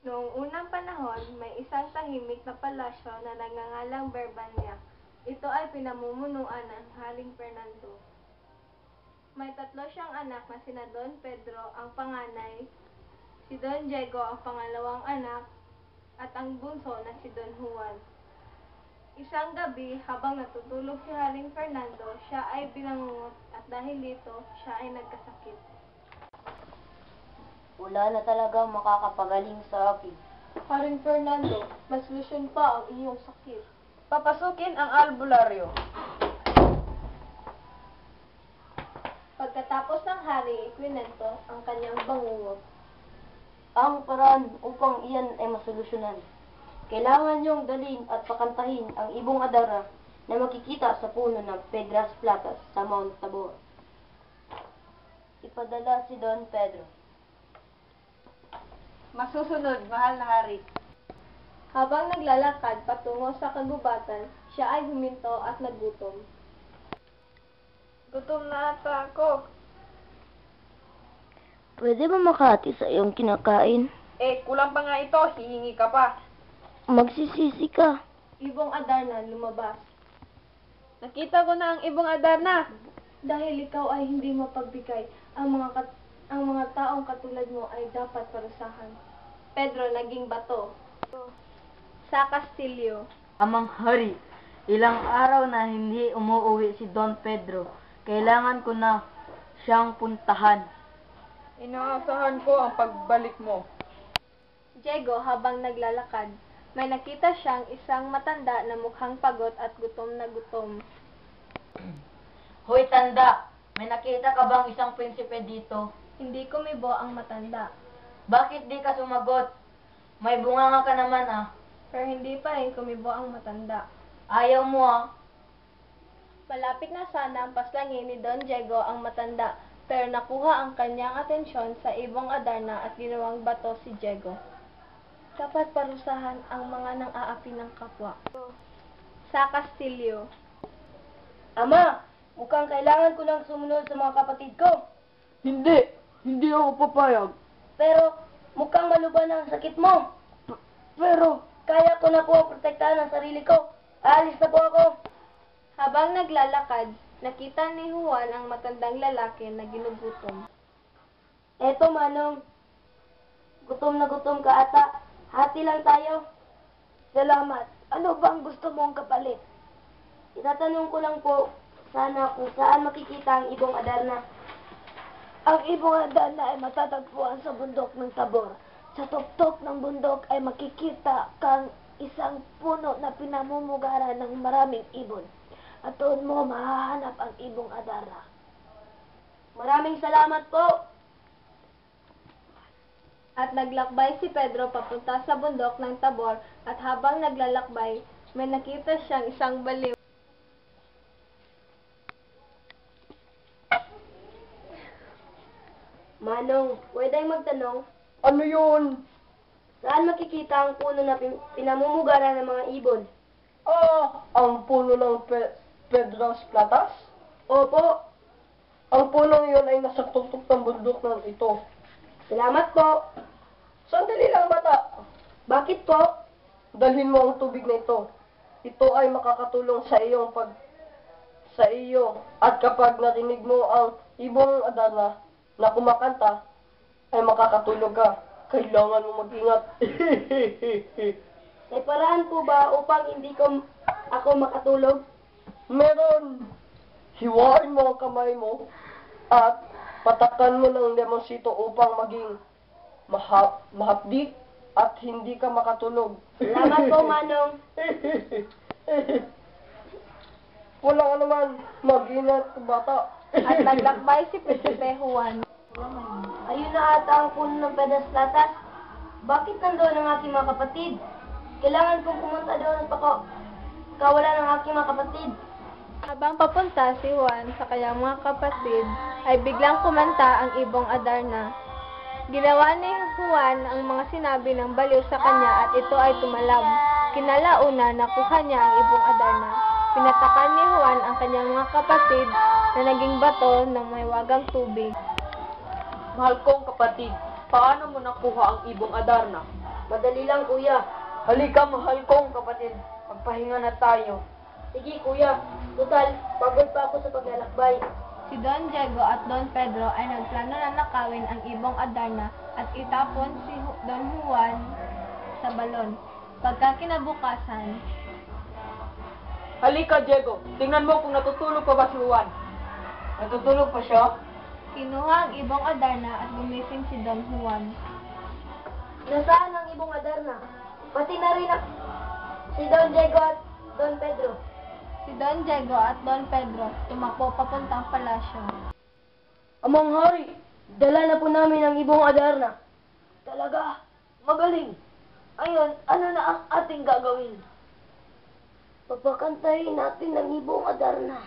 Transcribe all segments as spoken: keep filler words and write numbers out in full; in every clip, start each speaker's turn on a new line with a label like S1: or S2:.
S1: Noong unang panahon, may isang tahimik na palasyo na nagngangalang Berbanya. Ito ay pinamumunuan ng Haring Fernando. May tatlo siyang anak na sina Don Pedro ang panganay, si Don Diego ang pangalawang anak, at ang bunso na si Don Juan. Isang gabi, habang natutulog si Haring Fernando, siya ay binangungot at dahil dito, siya ay nagkasakit.
S2: Wala na talaga makakapagaling sa akin.
S1: Haring Fernando, mas solusyon pa ang iyong sakit.
S3: Papasukin ang albularyo.
S1: Pagkatapos ng hari, ikwinento ang kanyang bangungot.
S2: Ang paraan upang iyan ay masolusyonan. Kailangan niyong dalhin at pakantahin ang ibong adara na makikita sa puno ng Pedras Platas sa Mount Tabor. Ipadala si Don Pedro.
S3: Masusunod, mahal na hari.
S1: Habang naglalakad patungo sa kagubatan, siya ay huminto at nagutom.
S3: Gutom na ata ako.
S2: Pwede ba makati sa iyong kinakain?
S3: Eh, kulang pa nga ito, hihingi ka pa.
S2: Magsisisi ka.
S1: Ibong Adarna lumabas.
S3: Nakita ko na ang ibong Adarna.
S1: Dahil ikaw ay hindi mapagbigay, ang mga kat ang mga taong katulad mo ay dapat parusahan. Pedro naging bato. Sa Kastilyo.
S2: Amang hari, ilang araw na hindi umuuwi si Don Pedro. Kailangan ko na siyang puntahan.
S3: Inaasahan ko ang pagbalik mo.
S1: Diego habang naglalakad, may nakita siyang isang matanda na mukhang pagod at gutom na gutom.
S2: Hoy tanda, may nakita ka bang isang prinsipe dito?
S1: Hindi kumibo ang matanda,
S2: Bakit di ka sumagot? May bunganga ka naman ah.
S1: pero hindi pa rin kumibo ang matanda.
S2: Ayaw mo ah.
S1: Malapit na sana ang paslangin ni Don Diego ang matanda, pero nakuha ang kanyang atensyon sa ibong Adarna at ginawang bato si Diego. Dapat parusahan ang mga nang-aapi ng kapwa. Sa Kastilyo.
S2: Ama, mukhang kailangan ko lang sumunod sa mga kapatid ko.
S3: Hindi, hindi ako papayag.
S2: Pero mukhang maluban ang sakit mo.
S3: P- pero,
S2: Kaya ko na po ang protektahan ang sarili ko. Aalis na po ako.
S1: Habang naglalakad, nakita ni Juan ang matandang lalaki na ginugutom.
S2: Eto Manong, gutom na gutom ka ata. Hati lang tayo. Salamat. Ano bang gusto mong kapalit? Itatanong ko lang po sana kung saan makikita ang ibong Adarna. Ang ibong Adarna ay matatagpuan sa bundok ng Tabor. Sa tuktok ng bundok ay makikita kang isang puno na pinamumugaran ng maraming ibon. At doon mo mahahanap ang ibong Adarna. Maraming salamat po.
S1: At naglakbay si Pedro papunta sa bundok ng Tabor at habang naglalakbay, may nakita siyang isang baliw.
S2: Manong, pwede magtanong,
S3: ano yun?
S2: saan makikita ang puno na pin- pinamumugaran ng mga ibon?
S3: Ah, ang puno ng Pe- Pedras Platas?
S2: Opo,
S3: Ang punong yun ay nasa tuktok ng bundok ng ito.
S2: salamat po.
S3: Sandali lang bata.
S2: Bakit po?
S3: Dalhin mo ang tubig na ito. Ito ay makakatulong sa iyong pag sa iyo. At kapag narinig mo ang ibong Adarna na kumakanta, ay makakatulog ka. Kailangan mo mag-ingat.
S2: May paraan po ba upang hindi ko ako makatulog?
S3: Meron. Hiwain mo ang kamay mo at patakan mo ng lemonsito upang maging mahap, mahapdi at hindi ka makatulog.
S2: Salamat po, Manong.
S3: Walang anuman, mag-ingat bata.
S1: At naglakbay si Prinsipe Juan.
S2: Ayun na ata ang puno ng Pedras Platas. Bakit nandoon ang aking mga kapatid? Kailangan kong pumunta doon at pako kawalan ng aking mga kapatid.
S1: Habang papunta si Juan sa kanyang mga kapatid, ay biglang kumanta ang ibong Adarna. Ginawa ni Juan ang mga sinabi ng baliw sa kanya at ito ay tumalab. Kinalauna, nakuha niya ang ibong Adarna. Pinatakan ni Juan ang kanyang mga kapatid na naging bato ng may wagang tubig.
S3: Mahal kong kapatid, paano mo nakuha ang ibong Adarna?
S2: Madali lang, kuya.
S3: Halika, mahal kong kapatid. Magpahinga na tayo.
S2: Sige, kuya. Total, pagod pa ako sa paglalakbay.
S1: Si Don Diego at Don Pedro ay nagplano na nakawin ang ibong Adarna at itapon si Hu- Don Juan sa balon. Pagka kinabukasan,
S3: Halika, Diego. Tingnan mo kung natutulog pa ba si Juan. Natutulog pa siya?
S1: kinuha ang ibong Adarna at gumising si Don Juan.
S2: Nasaan ang ibong Adarna? Pati na rin ang si Don Diego at Don Pedro.
S1: Si Don Diego at Don Pedro tumakbo papuntang palasyo.
S2: Amang hari, dala na po namin ang ibong Adarna. Talaga? Magaling. Ayon, ano na ang ating gagawin? Papakantayin natin ang ibong Adarna.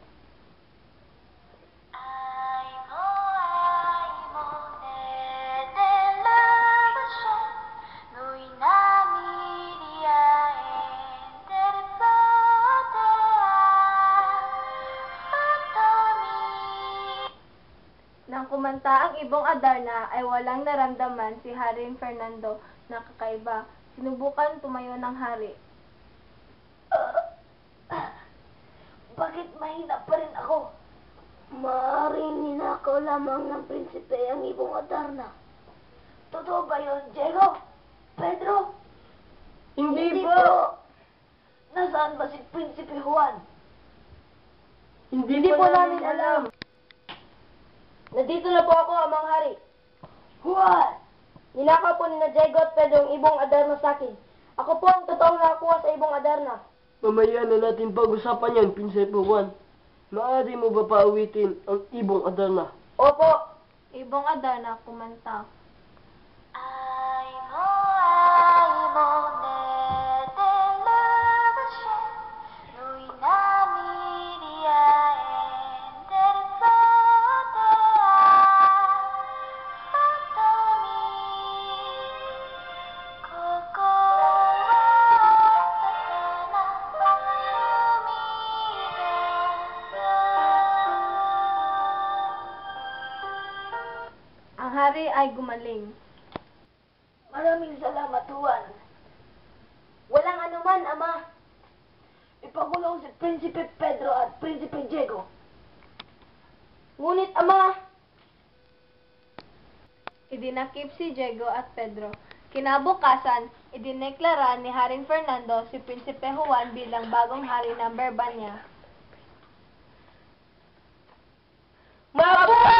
S1: Nang kumanta ang ibong Adarna ay walang naramdaman si Haring Fernando na kakaiba. Sinubukan tumayo ng hari.
S2: Bakit mahina pa rin ako? Maaaring ninakaw lamang ng prinsipe ang ibong Adarna. Totoo ba yun, Diego? Pedro?
S3: Hindi,
S2: po.
S3: po.
S2: Nasaan ba si Prinsipe Juan?
S3: Hindi,
S2: Hindi po namin
S3: alam.
S2: alam. Nandito na po ako, Amang Hari. Juan! Ninakaw po ni na Diego at Pedro ang ibong Adarna sa akin. Ako po ang totoong nakakuha sa ibong Adarna.
S3: Mamaya na natin pag-usapan yan, Prinsipe Juan. Maaari mo ba pauwitin ang ibong Adarna?
S2: Opo.
S1: Ibong Adarna kumanta. Ang hari ay gumaling.
S2: Maraming salamat, Juan. Walang anuman, Ama. Ipakulong si Prinsipe Pedro at Prinsipe Diego. Ngunit, Ama,
S1: Idinakip si Diego at Pedro. Kinabukasan, idineklara ni Haring Fernando si Prinsipe Juan bilang bagong hari ng Berbanya.
S2: mabuhay